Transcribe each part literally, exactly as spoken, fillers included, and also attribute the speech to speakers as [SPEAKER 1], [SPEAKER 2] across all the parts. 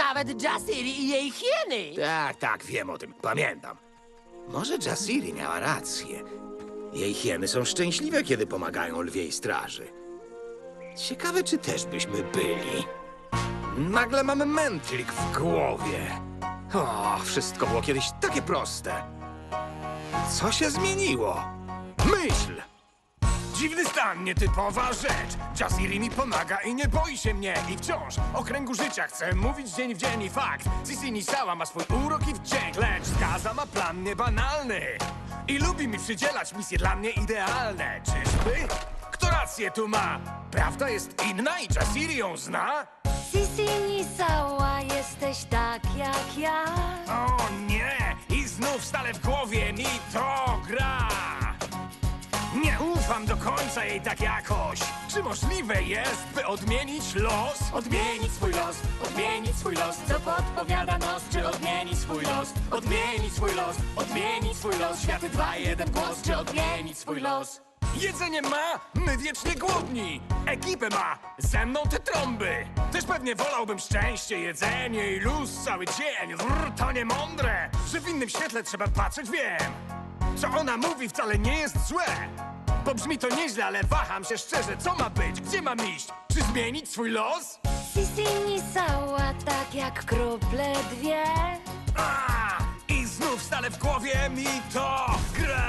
[SPEAKER 1] nawet Jasiri i jej hieny.
[SPEAKER 2] Tak, tak, wiem o tym. Pamiętam. Może Jasiri miała rację. Jej hieny są szczęśliwe, kiedy pomagają lwiej straży. Ciekawe, czy też byśmy byli. Nagle mamy mętlik w głowie. O, wszystko było kiedyś takie proste. Co się zmieniło? Myśl!
[SPEAKER 3] Dziwny stan, nietypowa rzecz. Jasiri mi pomaga i nie boi się mnie. I wciąż o kręgu życia chcę mówić dzień w dzień. I fakt, Sisi Nisała ma swój urok i wdzięk. Lecz Skaza ma plan niebanalny i lubi mi przydzielać misje dla mnie idealne. Czyżby? Kto rację tu ma? Prawda jest inna i Jasiri ją zna?
[SPEAKER 4] Sisi Nisała, jesteś tak jak ja.
[SPEAKER 3] O nie! I znów stale w głowie mi to gra. Nie ufam do końca jej tak jakoś. Czy możliwe jest, by odmienić los? Odmienić swój los, odmienić swój los. Co podpowiada nos? Czy odmienić swój los? Odmienić swój los, odmienić swój los. Światy dwa, jeden głos. Czy odmienić swój los? Jedzenie ma, my wiecznie głodni. Ekipę ma, ze mną te trąby. Też pewnie wolałbym szczęście, jedzenie i luz cały dzień. Brr, to nie mądre, że w innym świetle trzeba patrzeć, wiem. Co ona mówi wcale nie jest złe. Bo brzmi to nieźle, ale waham się szczerze. Co ma być? Gdzie mam iść? Czy zmienić swój los?
[SPEAKER 4] Sisi Nisała, tak jak krople dwie.
[SPEAKER 3] A, i znów stale w głowie mi to gra.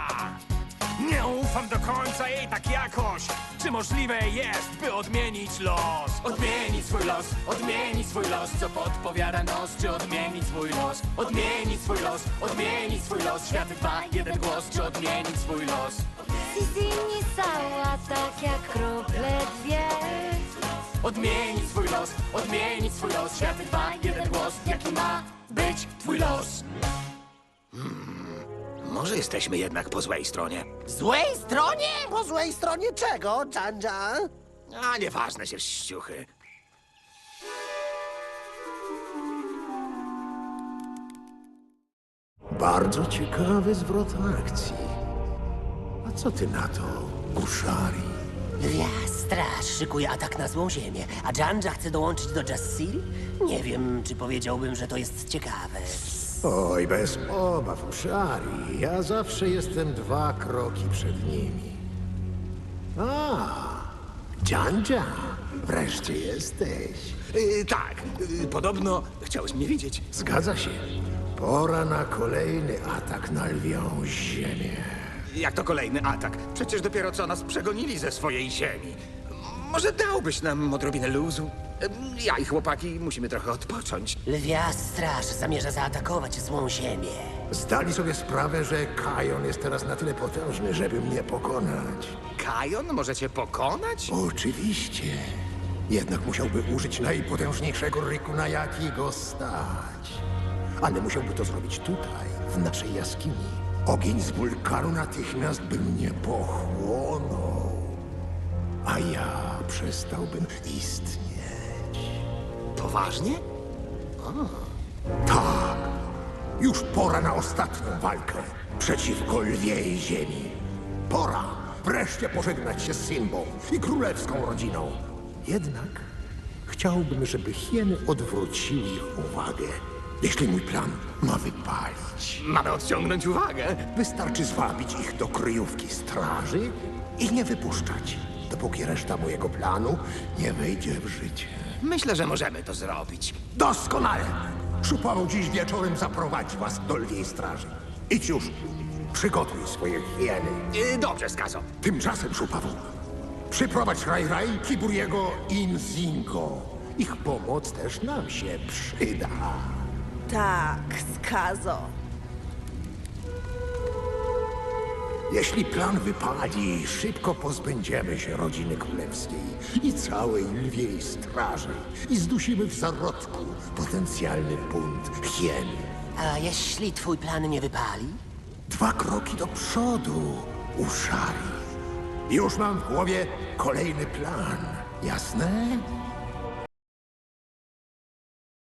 [SPEAKER 3] Nie ufam do końca jej tak jakoś. Czy możliwe jest, by odmienić los? Odmienić swój los, odmienić swój los. Co podpowiada nos? Czy odmienić swój los? Odmienić swój los, odmienić swój los. Światy dwa, jeden głos. Czy odmienić swój los?
[SPEAKER 4] Sisi Nisała, tak jak krople dwie.
[SPEAKER 3] Odmienić swój los, odmienić swój los. Światy dwa, jeden głos. Jaki ma być twój los?
[SPEAKER 2] Może jesteśmy jednak po złej stronie.
[SPEAKER 1] Złej stronie?
[SPEAKER 5] Po złej stronie czego, Janja?
[SPEAKER 2] A nieważne się ściuchy.
[SPEAKER 6] Bardzo ciekawy zwrot akcji. A co ty na to, Ushari?
[SPEAKER 1] Ja, straż szykuje atak na złą ziemię, a Janja chce dołączyć do Jasiri? Nie wiem, czy powiedziałbym, że to jest ciekawe.
[SPEAKER 6] Oj, bez obaw, Ushari. Ja zawsze jestem dwa kroki przed nimi. A, Janja, wreszcie jesteś.
[SPEAKER 2] Yy, tak, yy, podobno chciałeś mnie widzieć.
[SPEAKER 6] Zgadza się. Pora na kolejny atak na lwią ziemię.
[SPEAKER 2] Jak to kolejny atak? Przecież dopiero co nas przegonili ze swojej ziemi. Może dałbyś nam odrobinę luzu? Ym, Ja i chłopaki musimy trochę odpocząć.
[SPEAKER 1] Lwia straż zamierza zaatakować złą ziemię.
[SPEAKER 6] Zdali sobie sprawę, że Kajon jest teraz na tyle potężny, żeby mnie pokonać.
[SPEAKER 2] Kajon możecie pokonać?
[SPEAKER 6] Oczywiście. Jednak musiałby użyć najpotężniejszego rykuna, jaki go stać. Ale musiałby to zrobić tutaj, w naszej jaskini. Ogień z wulkanu natychmiast by mnie pochłonął. A ja przestałbym istnieć.
[SPEAKER 2] Poważnie?
[SPEAKER 6] Tak. Już pora na ostatnią walkę przeciwko lwiej ziemi. Pora wreszcie pożegnać się z Simbą i królewską rodziną. Jednak chciałbym, żeby hieny odwróciły ich uwagę. Jeśli mój plan ma wypalić,
[SPEAKER 2] Mamy odciągnąć uwagę.
[SPEAKER 6] wystarczy zwabić ich do kryjówki straży i nie wypuszczać, dopóki reszta mojego planu nie wejdzie w życie.
[SPEAKER 2] Myślę, że możemy to zrobić.
[SPEAKER 6] Doskonale! Szupawu dziś wieczorem zaprowadzi was do lwiej straży. Idź już, przygotuj swoje hieny.
[SPEAKER 2] Yy, dobrze, Skazo.
[SPEAKER 6] Tymczasem, Szupawu, przyprowadź Raj-Raj, Kiburiego i Nzingo. Ich pomoc też nam się przyda.
[SPEAKER 7] Tak, Skazo.
[SPEAKER 6] Jeśli plan wypali, szybko pozbędziemy się rodziny królewskiej i całej lwiej straży i zdusimy w zarodku potencjalny bunt hien.
[SPEAKER 1] A jeśli twój plan nie wypali?
[SPEAKER 6] Dwa kroki do przodu, Ushari. Już mam w głowie kolejny plan, jasne?